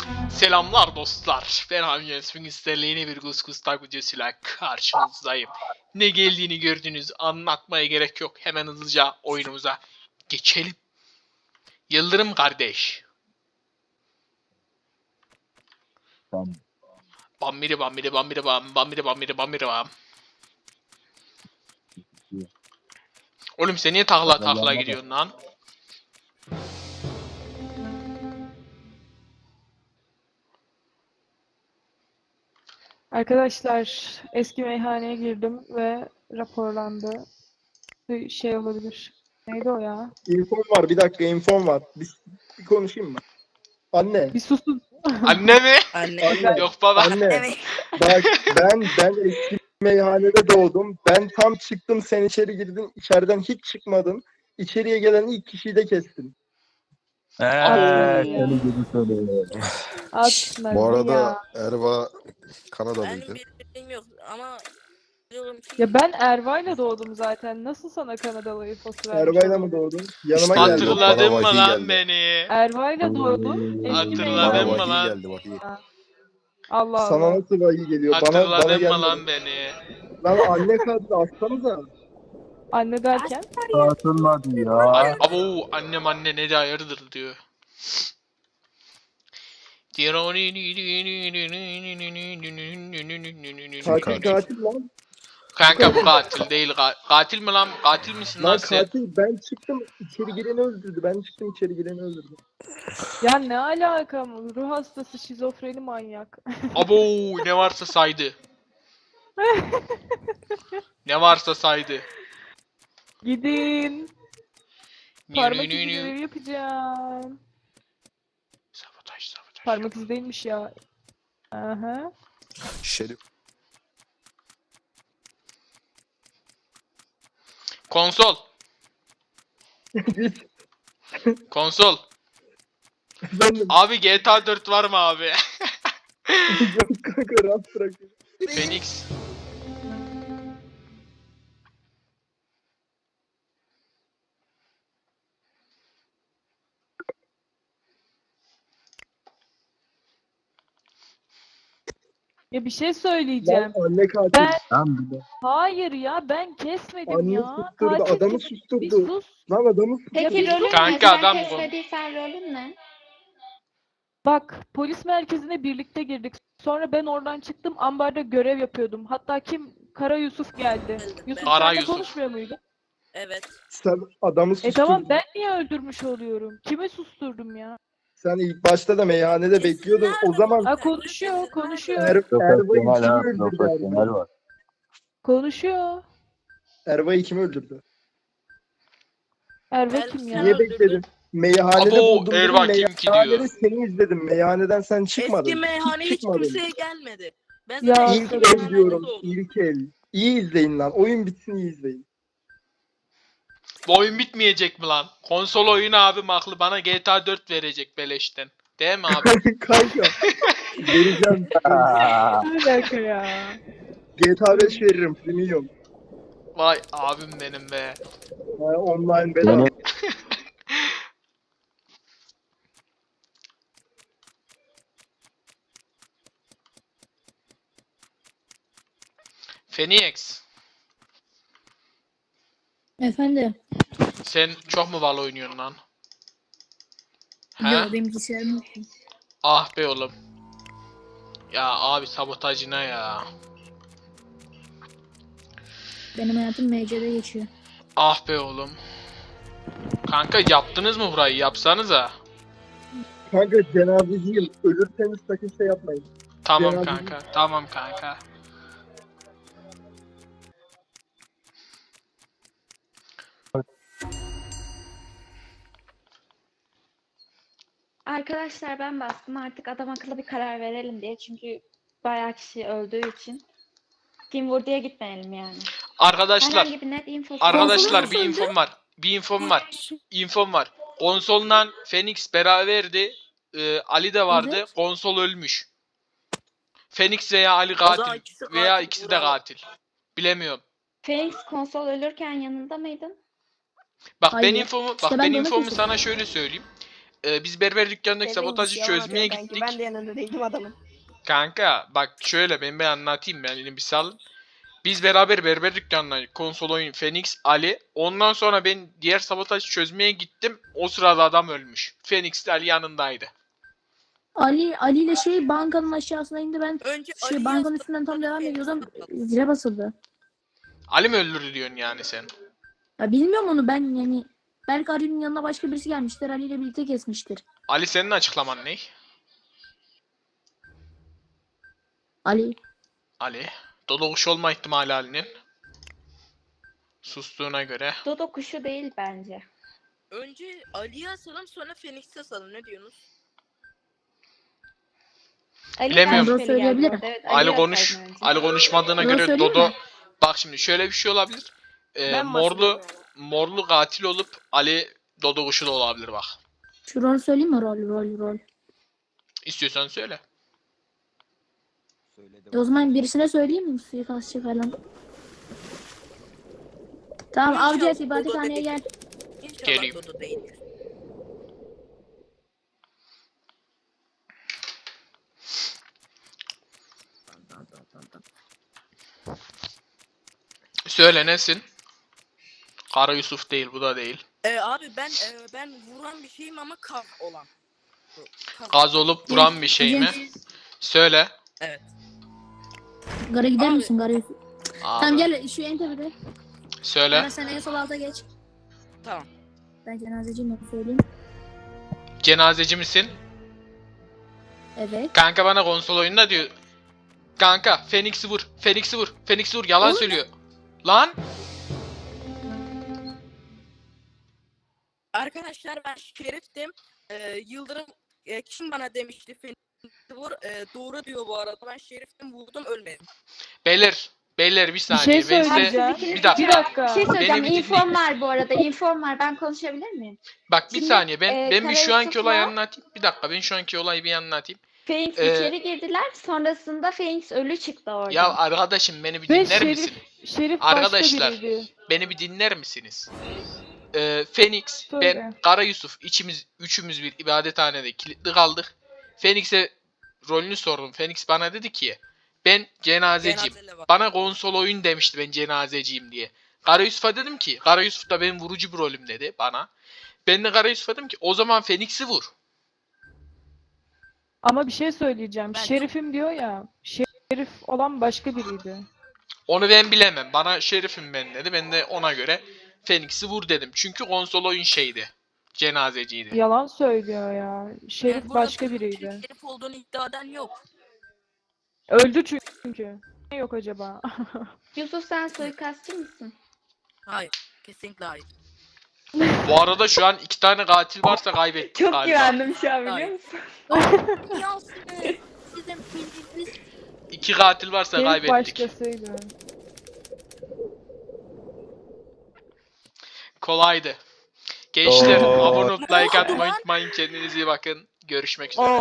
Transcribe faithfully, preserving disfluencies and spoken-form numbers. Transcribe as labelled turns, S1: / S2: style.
S1: Selamlar dostlar. Ben Hamiyet Swingister'le yeni bir Gus videosuyla karşınızdayım. Ne geldiğini gördünüz. Anlatmaya gerek yok. Hemen hızlıca oyunumuza geçelim. Yıldırım kardeş.
S2: Tamam.
S1: Bambiri bambiri bambiri bam. Bambiri bambiri bambiri bam. Oğlum sen niye takla takla gidiyorsun lan?
S3: Arkadaşlar eski meyhaneye girdim ve raporlandı. Bir şey olabilir. Neydi o ya?
S4: İnfom var. Bir dakika infom var. Bir, bir konuşayım mı? Anne.
S3: Bir susun.
S1: Anne mi?
S5: Anne.
S4: Anne.
S1: Yok baba.
S4: Anne.
S5: Evet.
S4: Bak ben ben eski meyhanede doğdum. Ben tam çıktım, sen içeri girdin. İçeriden hiç çıkmadın. İçeriye gelen ilk kişiyi de kestin.
S2: Eee
S3: ya.
S2: seni gibi söylüyor.
S3: Atma
S6: Bu arada
S3: ya.
S6: Erva
S5: Ben
S6: Kanadalıydı.
S5: bir bilgim yok ama diyorum ki
S3: Ya ben Erva'yla doğdum zaten. Nasıl sana Kanadalı infosu vermiş
S4: Erbay'la
S3: olabilirim?
S4: mı doğdun? Yanıma
S6: İşte
S4: geldin.
S6: hatırla-
S1: Hatırladın mı
S6: Bana
S1: lan
S6: vahiy geldi.
S1: beni?
S3: Erva'yla doğdum. Eski
S1: Hatırladın
S6: Bana
S1: mı
S3: meyhane.
S6: vahiy
S1: lan?
S6: geldi vahiy.
S3: Allah
S4: Sana
S3: Allah.
S4: nasıl vahiy geliyor? Bana bana
S1: Hatırladın
S4: gelmedi.
S1: mı lan beni?
S4: Lan anne kadını aslanıza.
S3: Anne derken?
S2: Atılmadı ya.
S1: An Abo annem anne ne de hayırdır diyor.
S4: Katil katil lan.
S1: Kanka bu katil değil. Ka- katil mi lan? Katil misin lan
S4: Lan
S1: sen?
S4: katil, ben çıktım içeri gireni öldürdü. Ben çıktım içeri gireni öldürdü.
S3: Ya ne alaka mı? Ruh hastası, şizofreni manyak.
S1: Abo ne varsa saydı. Ne varsa saydı.
S3: Gidin. Parmak izi görevi yapacağım.
S1: Sabotaj sabotaj.
S3: Parmak izi değilmiş ya. Aha.
S6: Şerif.
S1: Konsol.
S4: Git.
S1: Konsol.
S4: Efendim.
S1: Abi G T A dört var mı abi?
S4: Yok kanka, rahat bırak.
S1: Phoenix.
S3: Ya bir şey söyleyeceğim.
S4: Lan anne katil.
S3: Ben
S2: Ben bile.
S3: hayır ya ben kesmedim
S4: Anne
S3: ya.
S4: susturdu,
S3: Katil
S4: adamı
S3: kim? Bir
S4: susturdu.
S3: sus.
S4: Lan adamı
S7: Peki
S3: bir
S7: rolün
S3: sus.
S7: ne?
S1: Kanka
S7: Sen
S1: adam bu.
S7: kesmediysen rolün ne?
S3: Bak polis merkezine birlikte girdik. Sonra ben oradan çıktım. Ambarda görev yapıyordum. Hatta kim? Kara Yusuf geldi. Yusuf
S1: Kara
S3: seninle
S1: Yusuf.
S3: konuşmuyor muydu?
S5: evet.
S4: sen adamı
S3: E
S4: susturdun.
S3: tamam ben niye öldürmüş oluyorum? Kimi susturdum ya?
S4: Sen ilk başta da meyhanede bekliyordun. O zaman
S3: Ha konuşuyor, konuşuyor.
S4: Er, Erva'yı
S2: Profesyonel
S4: kim
S2: ha.
S4: öldürdü?
S2: Profesyonel
S4: Erva?
S2: var.
S3: Konuşuyor.
S4: Erva'yı kim öldürdü?
S3: Erve
S5: Ben-
S3: kim
S5: Sen
S3: ya?
S4: Niye
S5: öldürdün.
S4: bekledin? Meyhanede
S1: Abo
S4: buldum. dedim,
S1: Erva kim ki
S4: Meyhanede
S1: diyor.
S4: seni izledim. Meyhaneden sen çıkmadın.
S5: Eski meyhane hiç
S4: çıkmadın.
S5: kimseye gelmedi. Ben
S3: Ya,
S5: zaten
S4: İlk
S5: eski
S4: el
S5: meyhanede
S4: diyorum.
S5: doğdum.
S4: İlk el. İyi izleyin lan. Oyun bitsin, iyi izleyin.
S1: Bu oyun bitmeyecek mi lan? Konsol oyunu abi maklı bana G T A dört verecek beleşten. Değil mi abi?
S4: Kanka. Vereceğim.
S2: Aa,
S3: Ne alaka ya?
S4: G T A beş veririm. Premium.
S1: Vay abim benim be.
S4: Ha, online bedava.
S2: Benim-
S1: Phoenix.
S8: Efendim?
S1: Sen çok mu Valo oynuyorsun lan? He?
S8: Yok benim bilgisayarım yok.
S1: Ah be oğlum. Ya abi sabotajına ya.
S8: Benim hayatım M C'de geçiyor.
S1: Ah be oğlum. Kanka yaptınız mı burayı? Yapsanıza.
S4: Kanka cenazeciyim. Ölürseniz sakın şey yapmayın.
S1: Tamam
S4: Cenaze-
S1: kanka. Tamam kanka.
S7: Arkadaşlar ben bastım, artık adam akıllı bir karar verelim diye. Çünkü bayağı kişi öldüğü için. Kim vur diye gitmeyelim yani.
S1: Arkadaşlar.
S7: Herhangi bir net info.
S1: Arkadaşlar
S5: Konsolun
S1: bir
S5: nasıldı?
S1: infom var. Bir infom var. İnfom var. Konsoldan Phoenix beraberdi. Ee, Ali de vardı.
S5: Evet.
S1: Konsol ölmüş. Phoenix veya Ali
S5: O zaman
S1: katil.
S5: ikisi katil,
S1: Veya ikisi de
S5: bravo.
S1: katil. Bilemiyorum.
S7: Phoenix konsol ölürken yanında mıydın?
S1: Bak ben
S8: Hayır.
S1: infomu
S8: İşte
S1: bak
S8: ben
S1: ben
S8: de onu
S1: infomu
S8: kesin.
S1: sana şöyle söyleyeyim. e, biz berber dükkanındaki
S6: Dediğin
S1: sabotajı
S6: gibi yalan
S1: çözmeye
S6: atıyor kanki.
S1: gittik.
S6: Ben de yanında değildim adamın.
S1: Kanka bak şöyle ben bir anlatayım ben yine bir salın. Biz beraber berber dükkanına konsol oyun Phoenix Ali. Ondan sonra ben diğer sabotajı çözmeye gittim. O sırada adam ölmüş. Phoenix de Ali yanındaydı.
S8: Ali Ali ile şey bankanın aşağısına indi, ben
S5: Önce
S8: şey
S5: Ali'yi
S8: bankanın
S5: astık,
S8: üstünden tam
S5: sonra
S8: devam
S5: Phoenix'i
S8: ediyordum.
S5: astık.
S8: Zile basıldı.
S1: Ali mi öldürdü diyorsun yani sen?
S8: Ya bilmiyorum onu ben, yani belki Ali'nin yanına başka birisi gelmiştir. Ali ile birlikte kesmiştir.
S1: Ali senin açıklaman ne?
S8: Ali.
S1: Ali. Dodo kuş olma ihtimali Ali'nin. Sustuğuna göre.
S7: Dodo kuşu değil bence.
S5: Önce Ali'yi asalım sonra Phoenix'i asalım. Ne diyorsunuz?
S7: Ali
S1: Bilemiyorum.
S7: ben
S8: Doğru
S7: şüpheli geldi
S8: söyleyebilirim.
S7: orada, evet,
S1: Ali
S7: Ali'yi
S1: konuş.
S7: atsaydın önce.
S1: Ali konuşmadığına
S8: Doğru
S1: göre
S8: söyleyeyim
S1: Dodo.
S8: mi?
S1: Bak şimdi şöyle bir şey olabilir. Ee,
S6: Ben
S1: morlu
S6: başlıyorum
S1: morlu katil olup Ali Dodo kuşu da olabilir bak.
S8: Şu rol söyleyeyim mi? Rol rol rol.
S1: İstiyorsan söyle.
S8: E o zaman birisine söyleyeyim mi? Suikastçı falan. Tamam
S5: İnşallah
S8: avcı et
S5: Dodo
S8: ibadethaneye
S5: değil.
S8: gel.
S5: İnşallah
S1: Geleyim.
S5: Dodo değildir.
S1: Söyle nesin? Kara Yusuf değil, bu da değil.
S5: Ee, abi ben e, ben vuran bir şeyim ama kar olan. Bu, kar.
S1: Gaz olup vuran bir şey mi? Söyle.
S5: Evet.
S8: Gara gider
S5: Abi.
S8: misin? Gara.
S1: Abi.
S8: Tamam gel şu en tepede.
S1: Söyle.
S8: Gara sen en sol alta geç.
S5: Tamam.
S8: Ben cenazeciyim, onu söyleyeyim.
S1: Cenazeci misin?
S8: Evet.
S1: Kanka bana konsol oyununda diyor. Kanka Phoenix'i vur. Phoenix'i vur. Phoenix'i vur. Yalan
S8: Oğlum.
S1: söylüyor. Lan.
S5: Arkadaşlar ben Şerif'tim. Ee, Yıldırım e, kim bana demişti Phoenix'i vur. Ee, doğru diyor bu arada. Ben Şerif'tim, vurdum, ölmedim.
S1: Beyler. Beyler bir
S3: Bir
S1: saniye.
S3: şey
S1: ben size-
S3: söyleyeceğim.
S1: Bir dakika.
S3: Bir dakika.
S7: Bir şey söyleyeceğim.
S1: Beni bir
S7: İnfom
S1: dinleyin.
S7: var bu arada. İnfom var. Ben konuşabilir miyim?
S1: Bak bir
S7: Şimdi,
S1: saniye ben
S7: e,
S1: ben bir
S7: Kara
S1: şu anki
S7: Yusuf'la-
S1: olayı anlatayım. Bir dakika ben şu anki olayı bir anlatayım.
S7: Phoenix
S1: Ee,
S7: içeri girdiler. Sonrasında Phoenix ölü çıktı oradan.
S1: Ya arkadaşım beni bir
S3: Ve
S1: dinler
S3: Şerif,
S1: misin?
S3: Şerif
S1: Arkadaşlar,
S3: başka biriydi.
S1: Beni bir dinler misiniz? Ee, Phoenix,
S3: Söyle.
S1: ben, Kara Yusuf, içimiz, üçümüz bir ibadethanede kilitli kaldık. Phoenix'e rolünü sordum. Phoenix bana dedi ki, ben cenazeciyim.
S5: Cenazeyle var.
S1: Bana konsol oyun demişti ben cenazeciyim diye. Kara Yusuf'a dedim ki, Kara Yusuf da benim vurucu bir rolüm dedi bana. Ben de Kara Yusuf'a dedim ki, o zaman Phoenix'i vur.
S3: Ama bir şey söyleyeceğim.
S5: Ben-
S3: Şerifim diyor ya. Şerif olan başka biriydi.
S1: Onu ben bilemem. Bana şerifim ben dedi. Ben de ona göre Phoenix'i vur dedim. Çünkü konsol oyun şeydi. Cenazeciydi.
S3: Yalan söylüyor ya. Şerif
S5: Yani burada
S3: başka
S5: Phoenix'in
S3: biriydi.
S5: Şerif olduğunu iddia eden yok.
S3: Öldü çünkü. Ne yok acaba?
S7: Yusuf sen suikastçı mısın?
S5: Hayır. Kesinlikle hayır.
S1: Bu arada şu an iki tane katil varsa kaybettik
S7: Çok
S1: galiba.
S7: güvendim şu an biliyor
S5: Hayır.
S7: musun?
S5: Yansın. Sizin bildiğiniz
S1: İki katil varsa
S3: Şerif
S1: kaybettik.
S3: başkasıydı.
S1: Kolaydı. Gençler
S2: Oo.
S1: abone olup like
S5: Ne oldu
S1: atmayı
S5: lan?
S1: unutmayın. Kendinize iyi bakın. Görüşmek üzere.